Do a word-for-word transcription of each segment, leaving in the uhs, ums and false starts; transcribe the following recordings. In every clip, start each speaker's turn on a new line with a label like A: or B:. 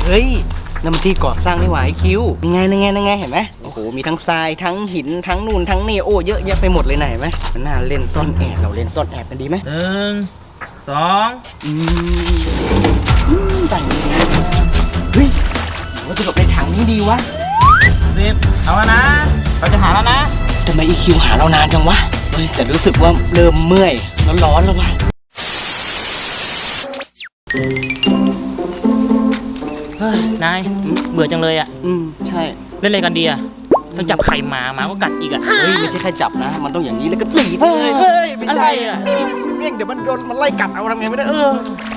A: เฮ้ยน้ำมันที่ก่อสร้างนี่หว่าไอคิวยังไงยังไงยังไงเห็นไหมโอ้โหมีทั้งทรายทั้งหินทั้งนู่นทั้งนี่โอ้เยอะแยะไปหมดเลยไหนไหมมันน่าเล่นซ่อนแอบเราเล่นซ่อนแอบกันดีไหม
B: หนึ่งสอง
A: อืมแต่งนี้เฮ้ยว่าจะหลบในถังนี้ดีวะ
B: สิบเอาแล้วนะเราจะหาแล้วนะ
A: ทำไมอีคิวหาเรานานจังวะเฮ้ยแต่รู้สึกว่าเริ่มเมื่อยแล้วร้อนแล้ววะ
B: นายเบื่อจังเลยอ่ะ
A: อืมใช่
B: เล่นอะไรกันดีอ่ะต้องจับไข่หมาหมาก็กัดอีกอ่ะ
A: เฮ้ยไม่ใช่แค่จับนะมันต้องอย่างนี้แล้วก็ตีเฮ้ยเฮ้ยไม่ใช่
B: อ่ะ
A: เรียกเดี๋ยวมันโดนมันไล่กัดเอาทำไงไม่ได้เออ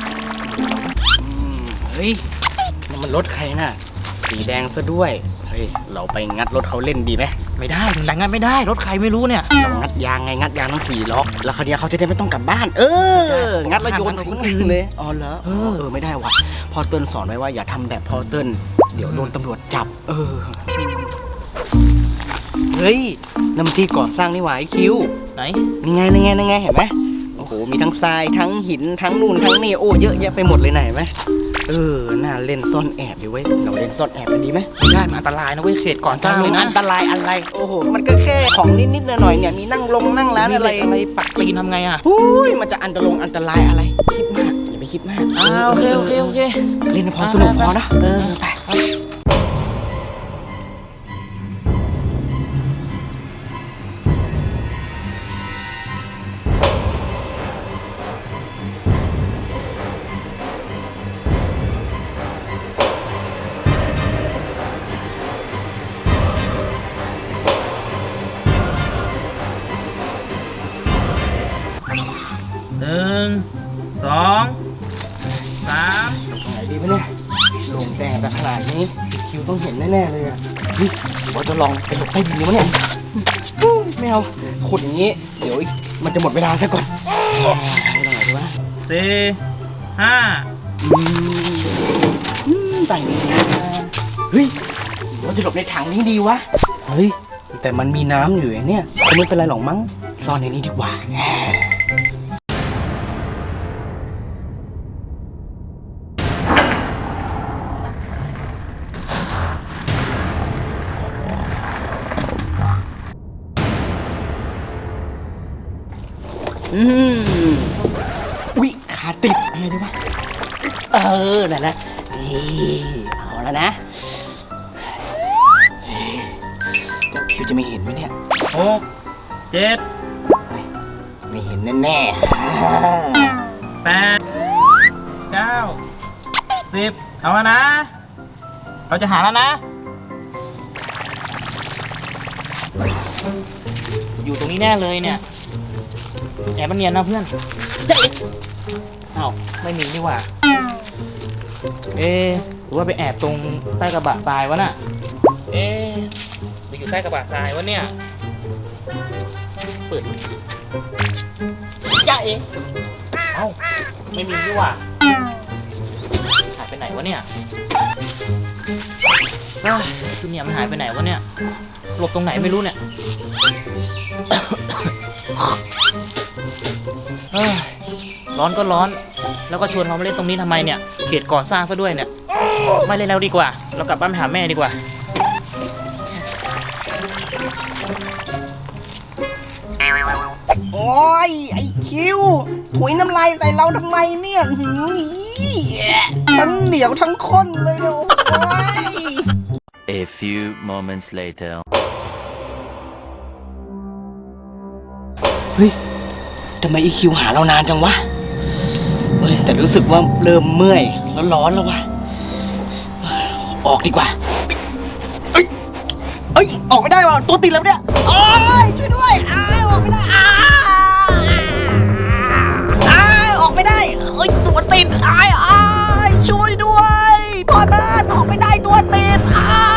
A: เฮ้ยนี่มันรถใครน่ะสีแดงซะด้วยเฮ้ยเราไปงัดรถเขาเล่นดีไหม
B: ไม่ได้ดังงัดไม่ได้รถใครไม่รู้เนี่ย
A: เรางัดยางไงงัดยางทั้งสี่ล็อกแล้วคราวนี้เขาจะได้ไม่ต้องกลับบ้านเอองัดแล้วโยนทิ้งเลยอ๋อเหรอเออไม่ได้ว่ะพอเติ้ลสอนไว้ว่าอย่าทำแบบพอเติ้ลเดี๋ยวโดนตำรวจจับเออเฮ้ยน้ำมันที่ก่อสร้างนี่หว่าไอคิว
B: ไหน
A: ยังไงยังไงยังไงเห็นไหมโอ้โหมีทั้งทรายทั้งหินทั้งนู่นทั้งนี่โอ้เยอะแยะไปหมดเลยไหนไหมเออน่าเล่นซ่อนแอบดีเว้ยเราเล่นซ่อนแอบกันดีไหม
B: ไม่ได้มันอันตรายนะเว้ยเขตก่อนสร้างเลยนะ
A: อันตรายอะไรโอ้โหมันก็แค่ของนิดๆหน่อยๆเนี่ยมีนั่งลงนั่งร้านอะไร
B: อะไรปักตีนทำไงอ่ะ
A: อุ้ยมันจะอันตรายอันตรายอะไรคิดมากอย่าไปคิดมาก
B: อ่าโอเคโอเคโอเค
A: เล่นพอสนุกพอนะเออไป
B: หนึ่งสองสาม
A: ตรงไหนดีไหมเนี่ยลงแดงแต่ขนาดนี้คิวต้องเห็นแน่ๆเลยอ่ะนี่ว่าจะลองไปหลบใต้ดินดีมั้ยเนี่ยไม่เอาขุดอย่างนี้เดี๋ยวมันจะหมดเวลาซะก่อนไปตรงไหนดีวะ
B: สี่ห้า
A: แต่งนี้เฮ้ยว่าจะหลบในถังนี้ดีวะเฮ้ยแต่มันมีน้ำอยู่เนี่ยไม่เป็นไรหรอกมั้งซ่อนในนี้ดีกว่าอืมอุ๊ยขาติดอะไรดีวะเออนั่นแหละนี่เอาแล้วนะเจ้าคิวจะไม่เห็นไหมเนี่ย
B: หกเจ็ด
A: ไม่เห็นแน่
B: ๆแปดเก้าสิบเอาแล้วนะเราจะหาแล้วนะอยู่ตรงนี้แน่เลยเนี่ยแอบมันเนียนนะเพื่อนเจ๊เอ้าไม่มีนี่หว่าเอ๊ะหรือว่าไปแอบตรงใต้กระบะทรายวะน่ะเอ๊ะหรืออยู่ใต้กระบะทรายวะเนี่ยเปิดจ้าเองเอ้าไม่มีนี่หว่าหายไปไหนวะเนี่ยชุดเนี่ยมันหายไปไหนวะเนี่ยหลบตรงไหนไม่รู้เนี่ยร้อนก็ร้อนแล้วก็ชวนเขามาเล่นตรงนี้ทำไมเนี่ยเขตก่อสร้างซะด้วยเนี่ยไม่เล่นแล้วดีกว่าเรากลับบ้านไปหาแม่ดีกว่า
A: โอ้ยไอคิวถุยน้ำลายใส่เราทำไมเนี่ยหืมทั้งเหนียวทั้งข้นเลยเนี่ยโอ้ย
C: A few moments later
A: เฮ้ยทำไมอีคิวหาเรานานจังวะเฮ้ยแต่รู้สึกว่าเริ่มเมื่อยแล้วร้อนแล้ววะออกดีกว่าเอ้ยเอ้ยออกไม่ได้ว่ะตัวติดแล้วเนี่ยโอ้ยช่วยด้วยอ้ายออกไม่ได้อ้ายอ้ายออกไม่ได้เอ้ยตัวติดอ้ายอ้ายช่วยด้วยพ่อบ้านออกไม่ได้ตัวติดอ้าย